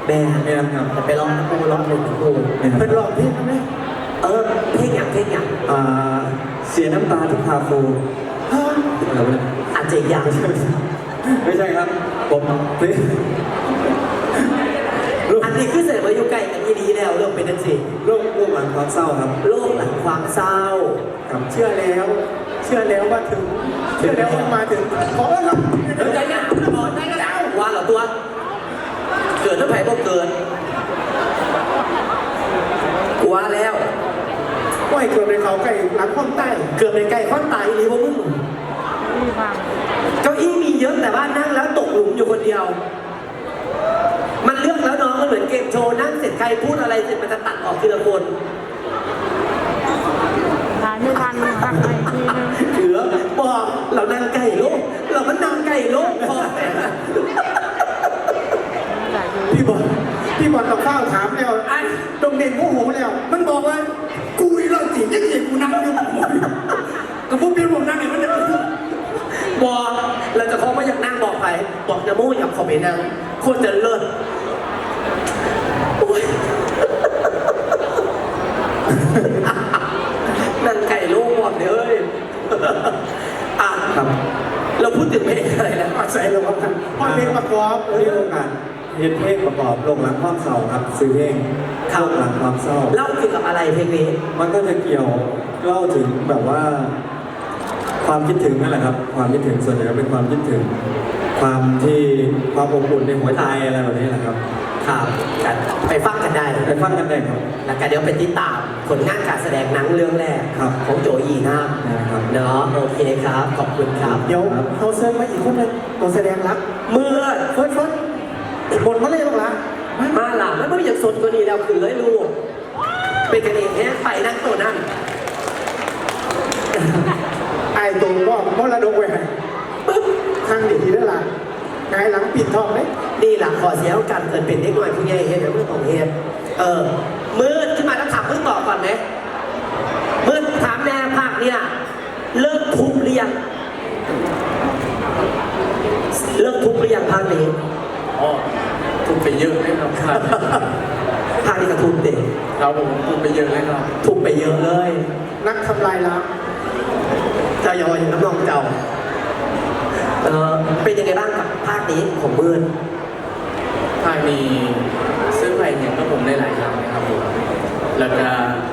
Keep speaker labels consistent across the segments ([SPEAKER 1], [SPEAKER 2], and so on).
[SPEAKER 1] แม่
[SPEAKER 2] ครับ
[SPEAKER 1] ไปร้องนะกูร้องหนึ่งกูเป็นร้องเพลงไหมเพลงอย่าง
[SPEAKER 2] เสียน้ำตาที่คาโฟ
[SPEAKER 1] อาจจะอย่าง
[SPEAKER 2] ไม่ใช่ครับผม
[SPEAKER 1] อันนี้คือเสร็จมาอยู่ใกล้กันดีแล้วเริ่มเป็นนั่นสิ
[SPEAKER 2] โรคหลังความเศร้าครับ
[SPEAKER 1] โรคหลังความเศร้า
[SPEAKER 2] กับเชื่อแล้วว่าถึงเชื่อแล้วมาถึงขอรับ
[SPEAKER 1] ใจนะบอกได้ก็ได้ว่าเหรอตัวเกิดแล้วแผลก็เกิดกว่าแล้ว
[SPEAKER 2] ว่าเกิดในเขาไก่หลังข้อนใต้
[SPEAKER 1] เกิดในไก่ข้อนใต้หรือว่ามึงเก้าอี้มีเยอะแต่ว่านั่งแล้วตกหลุมอยู่คนเดียวมันเลือกแล้วน้องมันเหมือนเกมโชว์นั่งเสร็จใครพูดอะไรเสร็จมันจะตัดออกทีละคน
[SPEAKER 3] ทานไม่ทันหักไปทีนึง
[SPEAKER 1] เหลือบอกเรานั่งไก่โลกเราก็นั่งไก่โลกพอ
[SPEAKER 2] พี่บอลต้องเข้าถามแล้วตรงเด่นโมโหแล้วมันบอกว่ากูอีเราจียังเห็นกูนั่งอยู่กับพวกพี่ผมนั่งอยู่มันจะ
[SPEAKER 1] บอกเราจะเขาไม่อยากนั่งบอกใครบอกนะโมอยากขอไปนั่งโคตรจะเลิศนั่งไก่โลกหมดเลย
[SPEAKER 2] ครับ
[SPEAKER 1] เราพูดถึงเพลงอะไรแล้ว
[SPEAKER 2] ใส่ลงกันเพลงประกอบเรื่องการเพลงประกอบโรคหลังความเศร้าครับซื้อเพลงโรคหลังความเศร้า
[SPEAKER 1] เล่าเกี่ยวกับอะไรเพลงนี้
[SPEAKER 2] มันก็จะเกี่ยวเล่าถึงแบบว่าความคิดถึงนั่นแหละครับความคิดถึงส่วนใหญ่เป็นความคิดถึงความอบอุ่นในหัวใจอะไรแบบนี้แหละครับ
[SPEAKER 1] ครับกันไปฟังกันได้
[SPEAKER 2] ครับ
[SPEAKER 1] แล้วกันเดี๋ยวไปติดตามผลงานการแสดงหนังเรื่องแรกของโจอีน่าเนาะโอเคครับขอบคุณครับ
[SPEAKER 2] เดี๋ยวเขาเซิร์ฟมาอีกคนนึงตัวแสดงรัก
[SPEAKER 1] เมื่อ
[SPEAKER 2] เฟิร์สบทมาเลยหรอ
[SPEAKER 1] มาหล่ะแล้วไม่อยากสนตัวนี้แล้วคือเลยลูกเป็นกันเองแค่ไปนั่งตัวนั่น
[SPEAKER 2] ไอ้ตัวก็มรดกไว้ให้
[SPEAKER 1] ปึ๊บ
[SPEAKER 2] ทางเด็กทีได้ละไงหลังปิดทองไหม
[SPEAKER 1] นี่หลังขอเสียกันเกิดเป็นเด็กหน่อยผู้ใหญ่เฮ็ดเดี๋ยวเมื่อของเฮ็ดมืดขึ้นมาแล้วถามเพิ่งตอบก่อนไหมมืดถามแม่ภาคเนี่ยเลิกทุบหรือยังเลิกทุบหรือยังภาคนี้
[SPEAKER 4] ทุบไปเยอะเลยครับ
[SPEAKER 1] ภาคนี้ก็ทุบเด็ก
[SPEAKER 4] เราผมทุบไปเยอะเลยครับ
[SPEAKER 1] ทุบไปเยอะเลย
[SPEAKER 2] นักทำลายล้าง
[SPEAKER 1] เจ้าย่อยน้ำนองเจ้าเป็นยังไงบ้างกับภาคนี้ของมืด
[SPEAKER 4] ภาคนี้ซื้อไปอย่างก็ผมได้หลายครั้งนะครับผมแล้วก็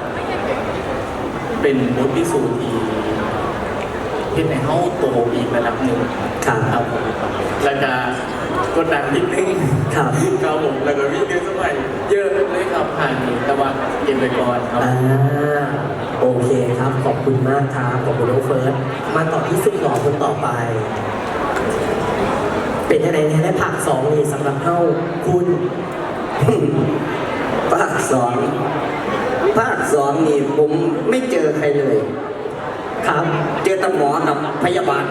[SPEAKER 4] เป็นบทพิสูจน์ที่เห็นในห้องโตอีกระดับหนึ่งครับผมแล้วก็กดดันนิดนึง
[SPEAKER 1] ครับ
[SPEAKER 4] ผมแล้วก็วิ่งเยอะสมัยเยอะเลยครับผ่านนี้แต่ว่าเก็บไปก่อนครับ
[SPEAKER 1] โอเคครับขอบคุณมากครับขอบคุณน้องเฟิร์สมาต่อที่สุดหล่อคนต่อไปเป็นยังไงเนี่ยได้ภาค2นี่สำหรับเฮ้าคุณ
[SPEAKER 5] ภาคสองนี่ผมไม่เจอใครเลย
[SPEAKER 1] ครับ
[SPEAKER 5] เจอแต่หมอกับพยาบาล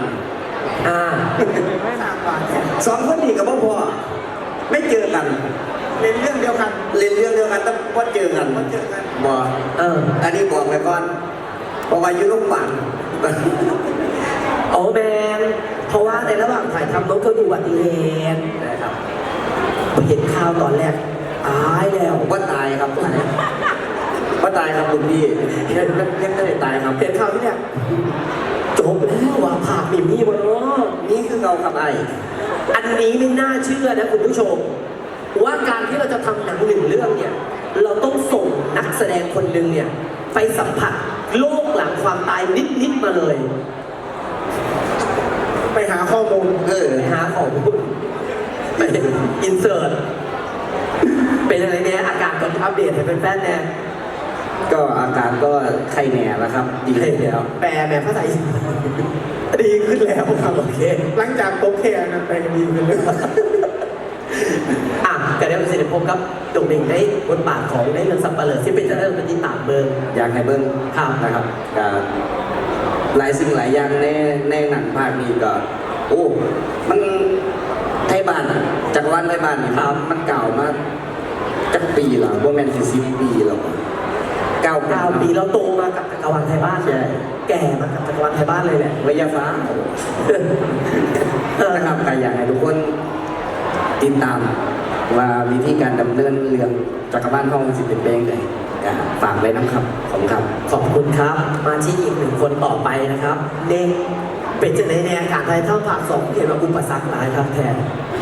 [SPEAKER 5] สองคนนี้กับพ่อไม่เจอกัน
[SPEAKER 2] เล่นเรื่องเดียวกัน
[SPEAKER 5] แต่ว่าเจอกันบอกอันนี้บอกไปก่อนเพราะว่าอยู่โรงพยาบาล
[SPEAKER 1] โอ้แมนเพราะว่าในระหว่างถ่ายทำน้องก็ดูอุบัติเหตุนะครับเห็นข่าวตอนแรกตายแล้ว
[SPEAKER 5] ว่าตายครับว่าตายครับคุณพี่ยังไม่ได้ตายครับ
[SPEAKER 1] เห็นข่าวที่เนี่ยจบแล้วว่าผ่าปิ่มนี่บนรถ
[SPEAKER 5] นี่คือเราครับ
[SPEAKER 1] อันนี้ไม่น่าเชื่อนะคุณผู้ชมว่าการที่เราจะทำหนังหนึ่งเรื่องเนี่ยเราต้องส่งนักแสดงคนหนึ่งเนี่ยไปสัมผัสโลกหลังความตายนิดมาเลย
[SPEAKER 2] ไปหาข้อมูล
[SPEAKER 1] หาข้อมูลไปอินเสิร์ตเป็นอะไรเนี่ยอาการตอนอัปเดตให้เป็นแฟนแน่
[SPEAKER 5] ก็อาการก็ไข้แหน่แล้วครับดีขึ้นแล้ว
[SPEAKER 1] แปลภาษาดีขึ้นแล้วครับโอเค
[SPEAKER 2] หลังจากโอเคนะแปลดีขึ้นเลย
[SPEAKER 1] ก็ได้ประสิทธิภาพกับโด่งเด่งได้บทบาทของได้เรื่องสัปเหร่อที่เป็นเจ้าหน้าที่ตามเบิ้ง
[SPEAKER 5] อยากให้เบิ้งนะครับกับหลายสิ่งหลายอย่างในหนังภาคนี้ก็โอ้มันไทยบ้านจักรวาลไทยบ้านนี่มันเก่ามากจักปีแล้วว่าแมน10 ปีแล้ว
[SPEAKER 1] 9 ปีเราโตมากับจักรวาลไทยบ้านเลยแก่มากับจักรวาลไทยบ้านเลยแหละ
[SPEAKER 5] วิทยาฟ้านะครับก็อยากให้ทุกคนติดตามว่าวิธีการดำเนินเรื่องจักรบ้านห้องสิเป็นเบงเลยฝากไว้นะครับขอบคุณครับ
[SPEAKER 1] ขอบคุณครับ มาที่อีกหนึ่งคนต่อไปนะครับเน่งเป็นจะในแนวการไทยเท่าภาคสองเกี่ยวกับอุปสรรคหลายครับแทน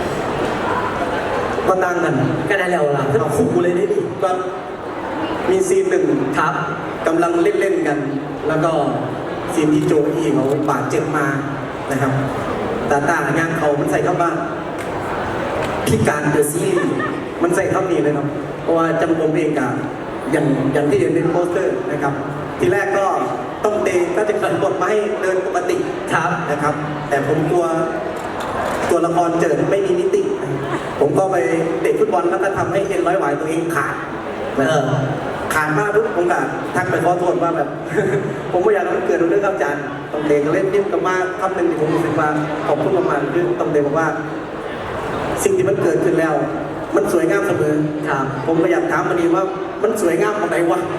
[SPEAKER 2] ก็ตั้งกัน
[SPEAKER 1] ก็ได้แล้วล่ะถ้าขู่เลยได้ดิ
[SPEAKER 2] ก็มีซีนหนึ่ง
[SPEAKER 1] ครับ
[SPEAKER 2] กำลังเล่นๆกัน แล้วก็ซีนที่โจอี้เขาบาดเจ็บมานะครับตาตางานเขามันใส่เข้าบ้านพิการเดอะซีรีส์มันใส่เข้านี้เลยครับเพราะว่าจำผมเองกับอย่างที่เห็นในโปสเตอร์นะครับ ทีแรกก็ต้องเตะก็จะเขียนบทมาให้เดินปกติ
[SPEAKER 1] ครับ
[SPEAKER 2] นะครับ แต่ผมกลัวตัวละครเจิดไม่มีนิติ ผมก็ไปเตะฟุตบอลแล้วก็ทำให้เอ็นร้อยหวายตัวเองขาด ขาดมากปุ๊บผมก็ทักไปขอโทษว่าแบบ ผมไม่อยากให้มันเกิดเรื่องครับอาจารย์ต้องเตะก็เล่นนิ่มกับมากคำหนึ่งที่ผมรู้สึกว่าขอบคุณมากๆคือต้องเตะบอกว่า สิ่งที่มันเกิดขึ้นแล้ว มันสวยงามเสมอ
[SPEAKER 1] ครับ
[SPEAKER 2] ผมก็อยากถามมันดีว่ามันสวยงามตรงไหนวะ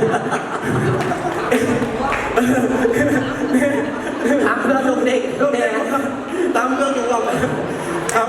[SPEAKER 1] ถามเพื่อนลูกเด็ก
[SPEAKER 2] เรื่องเด็กครับตามเรื่องของเราครับ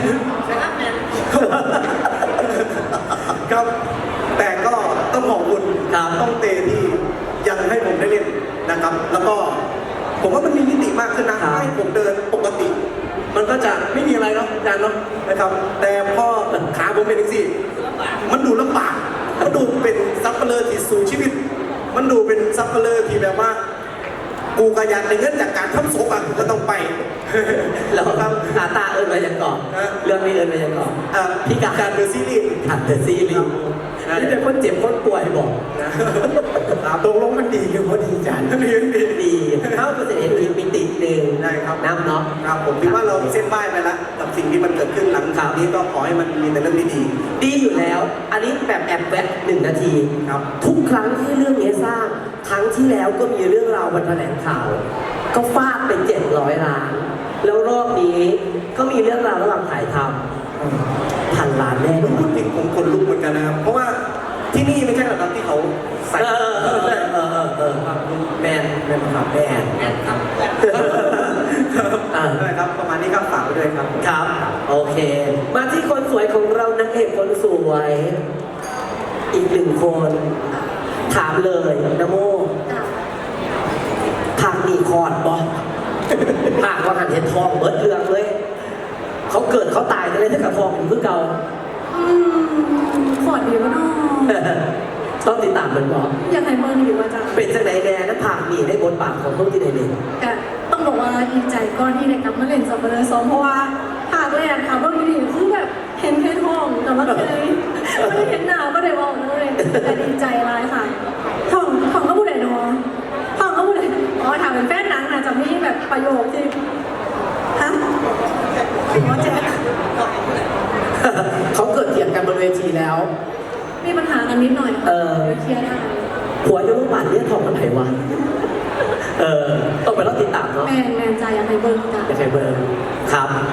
[SPEAKER 2] ครับ แต่ก็ต้องขอบคุณ
[SPEAKER 1] ครับ
[SPEAKER 2] ต้องเตที่ยังให้ผมได้เล่นนะครับ แล้วก็ผมว่ามันมีมิติมากขึ้นนะให้ผมเดินปกติ มันก็จะไม่มีอะไรเนาะอาจารย์เนาะนะครับ แต่พอขาผมเป็นอย่างนี้มันดูลำบากมันดูเป็นซับเปลือที่สู่ชีวิต มันดูเป็นซับเปลือที่แบบว่า กูกระยันในเงินจากการทำศพอ่ะกูก็ต้องไป
[SPEAKER 1] แล้วครับตาเอิญไปยังก่อน
[SPEAKER 2] ฮะ
[SPEAKER 1] เรื่องนี้เอิญไปยังก่อน พี่กา
[SPEAKER 2] การเดอะซีรีส์
[SPEAKER 1] ขัดเดอะซีรีส์นี่เป็นคนเจ็บคนป่วยบอก
[SPEAKER 2] นะตรงลงมันดีคือพอดีจันดีดี
[SPEAKER 1] ดีเข้าก็จะเห็นอีกมิติหนึ่ง
[SPEAKER 2] ได้ครับ
[SPEAKER 1] น้ำเนาะ
[SPEAKER 2] ครับผมคิดว่าเราเส้นไหว้ไปแล้วกับสิ่งที่มันเกิดขึ้นหลังข่าวนี้ก็ขอให้มันมีแต่เรื่องดี
[SPEAKER 1] ดีอยู่แล้ว อันนี้แบบแอบแวะ1 นาที
[SPEAKER 2] ครับ
[SPEAKER 1] ทุกครั้งที่เรื่องนี้สร้าง ครั้งที่แล้วก็มีเรื่องราววันแถลงข่าว ก็ฟาดเป็น700 ล้าน แล้วรอบนี้ก็มีเรื่องราวระหว่างถ่ายทำ1,000 ล้านแน่นอน
[SPEAKER 2] พูดถึงผมคนลุกเหมือนกันนะครับ เพราะว่าที่นี่ไม่ใช่หรอกครับที่เขาใส่
[SPEAKER 1] แมน
[SPEAKER 2] เป็นครับ
[SPEAKER 1] แมน
[SPEAKER 2] ครับ
[SPEAKER 1] อ่า
[SPEAKER 2] ได้ครับประมาณนี้ครับฝากไว้ด้วยครับ
[SPEAKER 1] ครับ โอเค มาที่คนสวยของเรานางเอกคนสวย อีก1 คน ถามเลยนะโมภาคนี้คอดบอภาคว่าหันเห็นทองเบิดเรืองเลย เขาเกิดเขาตายเลยถ้ากับทองอยู่คือเก่า
[SPEAKER 3] ขอดีวะเนาะ
[SPEAKER 1] ต้องติดตามมันบอก
[SPEAKER 3] อยากให้เบอร์ดีว่าจ้ะ
[SPEAKER 1] เป็นจังไหนแน่นะภาคนี้ได้บทบาทของต้องที่ไหนเลย
[SPEAKER 3] แต่ต้องบอกว่าดีใจก่อนที่ได้กลับมาเล่นสับเปลือซ้อมเพราะว่าภาคแรกค่ะเบอร์ดีคือแบบเห็นแค่ท้องแต่ว่าเคยไม่ได้เห็นหน้าก็ได้บอกเลยแต่ดีใจอะไรค่ะท้องก็พูดได้เนาะท้องก็พูดได้อ๋อถามเป็นแฟนหนังนะจะมีแบบประโยคที่ฮะอ๋อแจ๊ค
[SPEAKER 1] เขาเกิดเถียงกันบนเวทีแล้ว
[SPEAKER 3] มีปัญหากันนิดหน่อย
[SPEAKER 1] เออ
[SPEAKER 3] เคลียร์ได้
[SPEAKER 1] ผัวจะรู้ป่านเนี่ยทองมันไหนวะ ต้องไปรอติดตามเนาะ
[SPEAKER 3] แมนใจอยากให้เบอร์จ้ะ
[SPEAKER 1] จะใช้เบอร์ครับ